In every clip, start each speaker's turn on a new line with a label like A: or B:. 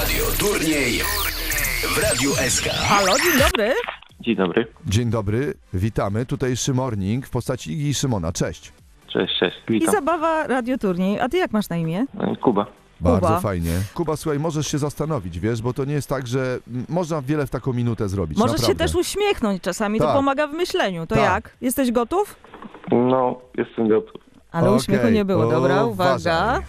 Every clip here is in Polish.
A: Radioturniej w Radiu SK.
B: Halo, dzień dobry.
C: Dzień dobry.
D: Dzień dobry, witamy. Tutejszy Morning w postaci Igi i Szymona. Cześć.
C: Cześć,
B: I
C: witam.
B: zabawa Radioturniej. A ty jak masz na imię?
C: Kuba.
D: Bardzo
B: Kuba.
D: fajnie. Kuba, słuchaj, możesz się zastanowić, wiesz, bo to nie jest tak, że można wiele w taką minutę zrobić.
B: Możesz się
D: naprawdę.
B: też uśmiechnąć czasami, to
D: Tak.
B: pomaga w myśleniu. To
D: Tak.
B: jak? Jesteś gotów?
C: No, jestem gotów.
B: Ale
D: Okej,
B: uśmiechu nie było. Dobra, uwaga.
D: uważaj.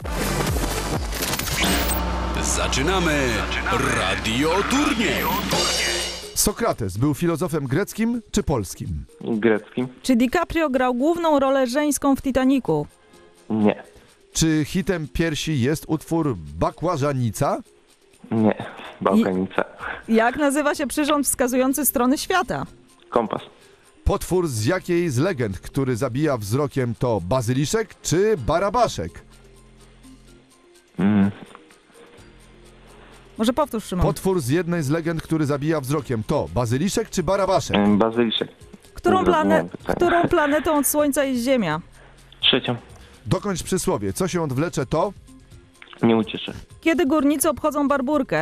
A: Zaczynamy Radioturniej.
D: Sokrates był filozofem greckim czy polskim?
C: Greckim?
B: Czy DiCaprio grał główną rolę żeńską w Titanicu?
C: Nie.
D: Czy hitem piersi jest utwór Bakłażanica?
C: Nie. Bałkanica.
B: Jak nazywa się przyrząd wskazujący strony świata?
C: Kompas.
D: Potwór z jakiej z legend, który zabija wzrokiem, to bazyliszek czy barabaszek?
B: Może powtórz, Szymon.
D: Potwór z jednej z legend, który zabija wzrokiem, to bazyliszek czy barabaszek?
C: Bazyliszek.
B: Którą
C: zrozumiałem pytania.
B: planetą od Słońca jest Ziemia?
C: Trzecią.
D: Dokończ przysłowie. Co się odwlecze, to?
C: Nie ucieszę.
B: Kiedy górnicy obchodzą Barburkę?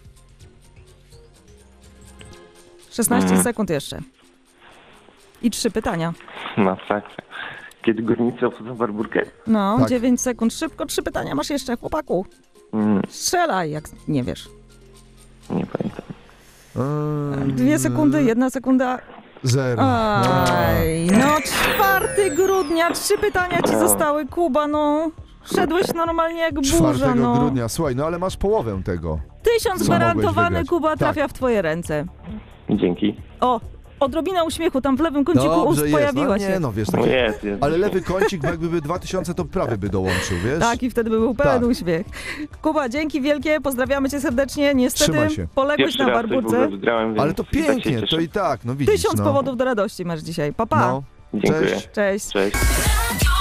B: 16 sekund jeszcze. I 3 pytania.
C: Masakra. Kiedy górnicy obchodzą Barburkę?
B: No,
D: Tak.
B: 9 sekund. Szybko, 3 pytania masz jeszcze, chłopaku. Strzelaj, jak nie wiesz.
C: Nie pamiętam.
B: 2 sekundy, 1 sekunda.
D: 0.
B: Aj, no 4 grudnia, 3 pytania ci zostały, Kuba, no. Szedłeś normalnie jak
D: 4
B: burza, no.
D: grudnia. Słuchaj, no ale masz połowę tego.
B: 1000
D: Co
B: gwarantowany,
D: mogłeś wygrać?
B: Kuba,
D: Tak.
B: trafia w twoje ręce.
C: Dzięki.
B: O, odrobina uśmiechu, tam w lewym kąciku ust
D: jest.
B: pojawiła
D: No,
B: się.
D: nie, no wiesz,
C: No
D: takie...
C: jest.
D: Ale lewy kącik, bo jakby 2000, to prawy by dołączył, wiesz?
B: Tak, i wtedy by był pełen
D: Tak.
B: uśmiech. Kuba, dzięki wielkie, pozdrawiamy cię serdecznie. Niestety
D: Trzymaj się.
B: poległeś
C: Pierwszy
B: na
C: raz coś w
B: Barburce.
C: ogóle wygrałem, więc
D: Ale to
C: tak się
D: pięknie,
C: cieszę.
D: to i tak, no widzisz,
B: 1000
D: no.
B: powodów do radości masz dzisiaj. Pa, pa.
D: No,
C: Dziękuję.
D: cześć.
B: Cześć.
C: Cześć.
E: Radio